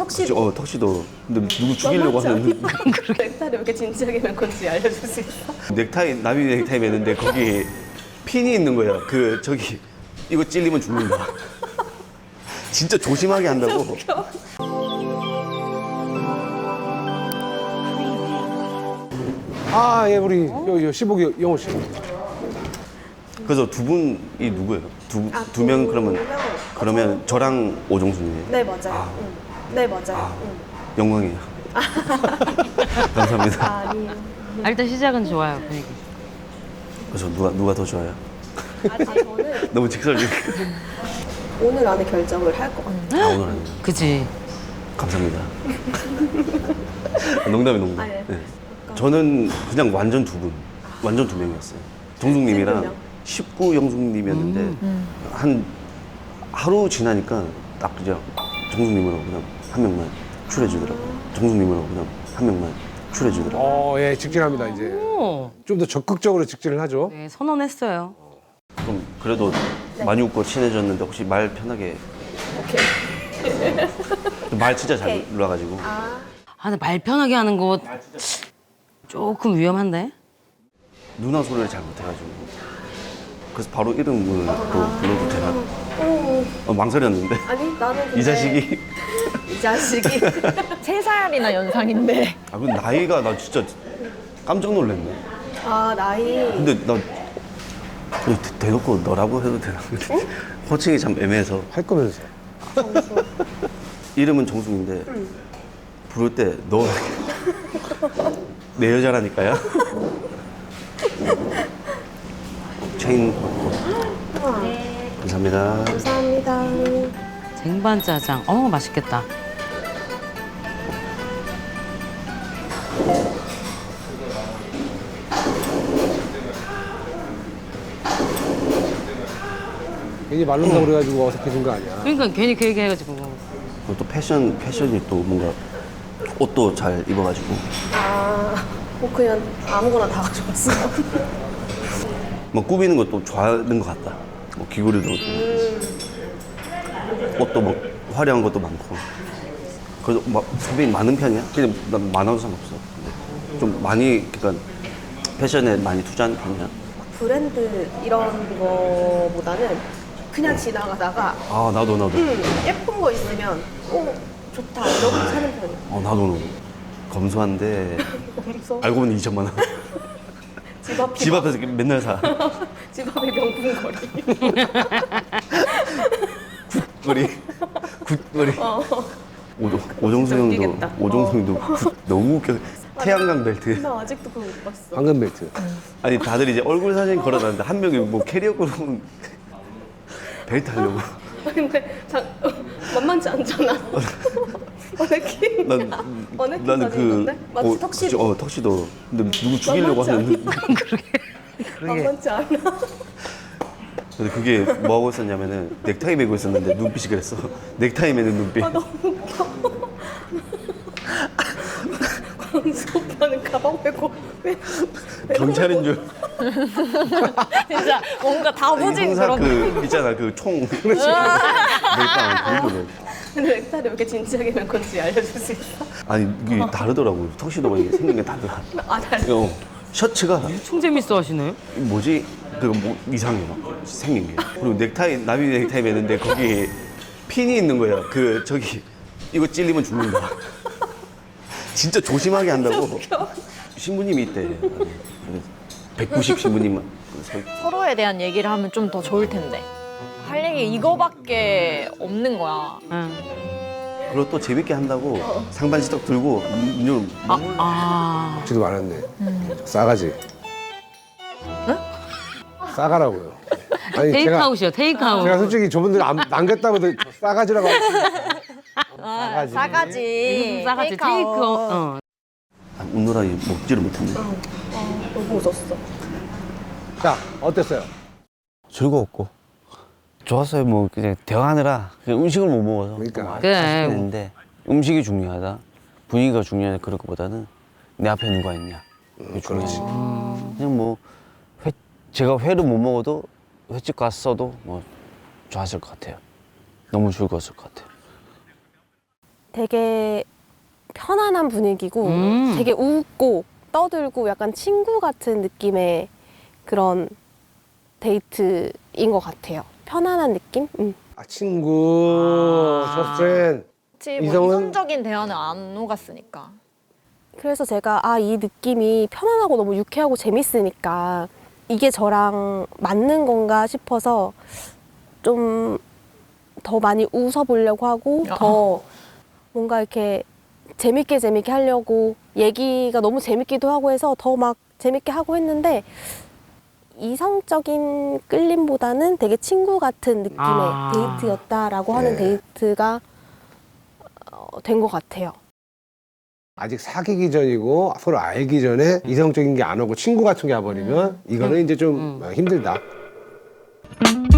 턱시도. 턱시도. 근데 누구 죽이려고 하는. 넥타이를 왜 이렇게 진지하게 맨 건지 알려줄 수 있어? 넥타이, 나비 넥타이 매는데 거기 핀이 있는 거야. 저기, 이거 찔리면 죽는다. 진짜 조심하게 한다고. 아, 예, 우리 요 시복이 영호 씨. 그래서 두 분이 누구예요? 두 명 그러면 저랑 오종수님이에요? 네, 맞아요. 네, 맞아요. 영광이에요. 감사합니다. 아니요. 일단 시작은 좋아요, 분위기. 그래서 누가 더 좋아요? 저는 너무 직설적. 오늘 안에 결정을 할 것 같아요. 오늘 아니에요. 그치? 감사합니다. 농담. 네. 네. 저는 그냥 완전 완전 두 명이었어요. 정숙님이랑 19 영숙님이었는데 한 하루 지나니까 딱 그냥 정숙님으로 그냥 한 명만 출해주더라고요. 정숙님으로 그냥 한 명만 출해주더라고요. 예, 직진합니다, 이제. 오. 좀 더 적극적으로 직진을 하죠. 네, 선언했어요. 그럼 그래도 많이 웃고 친해졌는데 혹시 말 편하게. 오케이. 말 진짜 잘 놀라가지고. 근데 말 편하게 하는 거 조금 위험한데? 누나 소리를 잘 못해가지고. 그래서 바로 이름을 또 불러도 되나? 망설였는데. 아니, 나는 근데 이 자식이. 이 자식이 3살이나 연상인데. 아, 근데 나이가 나 진짜 깜짝 놀랐네. 나이 근데 나 이거 대놓고 너라고 해도 되나? 호칭이 참 애매해서. 할 거면서. 이름은 정숙인데 부를 때 너 내 여자라니까요. 체인 받고. 감사합니다. 감사합니다. 쟁반짜장. 맛있겠다. 괜히 말른다고 그래가지고 어색해진 거 아니야. 그러니까 괜히 그 얘기 해가지고. 그리고 또 패션이 또 뭔가 옷도 잘 입어가지고. 그냥 아무거나 다 가져왔어. 뭐 꾸미는 것도 좋아하는 것 같다. 뭐 귀걸이도 옷도 뭐 화려한 것도 많고. 그래서 막 소비인 많은 편이야. 그냥 난 많아도 상관없어. 근데 좀 많이 그러니까 패션에 많이 투자하는 편이야. 브랜드 이런 거보다는 그냥 지나가다가 나도. 예쁜 거 있으면 좋다 이러고 사는 편이야. 나도. 검소한데 알고 보니 2천만 원. 집 앞에서 맨날 사. 집 앞에 명품 거리. 굿거리. 오종수 웃기겠다. 형도 너무 웃겨. 태양광 벨트. 나 아직도 그거 못 봤어. 황금 벨트. 아니 다들 이제 얼굴 사진 걸어놨는데 한 명이 뭐 캐리어로 벨트 하려고. 근데 만만치 않잖아. 어네킹. 나는 사진인데? 맞지? 턱시도. 턱시도. 근데 누구 죽이려고 하는. 만만치 않아. 근데 그게 뭐 하고 있었냐면은 넥타이 메고 있었는데 눈빛이 그랬어. 넥타이 매는 눈빛. 너무 웃겨. 광수 오빠는 가방 메고 왜 경찰인 줄. 진짜 뭔가 다부진 형사 그런. 있잖아 그 총. 멜빵 그거. 근데 넥타이를 왜 이렇게 진지하게 맨 건지 알려줄 수 있어? 아니 이게 다르더라고. 턱시도가 이게 생긴 게 다르다. 달라. 셔츠가 엄청 재밌어 하시네. 뭐지? 뭐 이상해 막 생긴 게. 그리고 나비 넥타이 매는데 거기 핀이 있는 거야. 저기 이거 찔리면 죽는다. 진짜 조심하게 한다고. 신부님이 있대. 190 신부님만. 서로에 대한 얘기를 하면 좀 더 좋을 텐데. 할 얘기 이거밖에 없는 거야. 응. 그리고 또 재밌게 한다고 상반시떡 들고 눈을 지도 많았네. 싸가지. 싸가라고요. 아니 테이크아웃이요, 테이크아웃. 제가 솔직히 저분들 남겼다고 해도 싸가지라고 싸가지. 싸가지. 싸가지, 테이크아웃. 웃느라 먹지를 못했네. 너무 웃었어. 자, 어땠어요? 즐거웠고 좋았어요. 뭐 그냥 대화하느라 그냥 음식을 못 먹어서 그러니까. 그래. 아쉽겠는데 음식이 중요하다, 분위기가 중요하다 그럴 것보다는 내 앞에 누가 있냐 그게 중요하지. 그냥 뭐 제가 회를 못 먹어도 횟집 갔어도 뭐 좋았을 것 같아요. 너무 즐거웠을 것 같아요. 되게 편안한 분위기고 되게 웃고 떠들고 약간 친구 같은 느낌의 그런 데이트인 것 같아요. 편안한 느낌? 아, 친구, 저프렌. 그치, 뭐 이성은- 이성적인 대화는 안 오갔으니까. 그래서 제가 이 느낌이 편안하고 너무 유쾌하고 재밌으니까 이게 저랑 맞는 건가 싶어서 좀 더 많이 웃어보려고 하고 더 뭔가 이렇게 재밌게 하려고 얘기가 너무 재밌기도 하고 해서 더 막 재밌게 하고 했는데 이성적인 끌림보다는 되게 친구 같은 느낌의 데이트였다라고 하는 데이트가 된 것 같아요. 아직 사귀기 전이고 서로 알기 전에 이성적인 게 안 오고 친구 같은 게 와버리면 이거는 이제 좀 힘들다.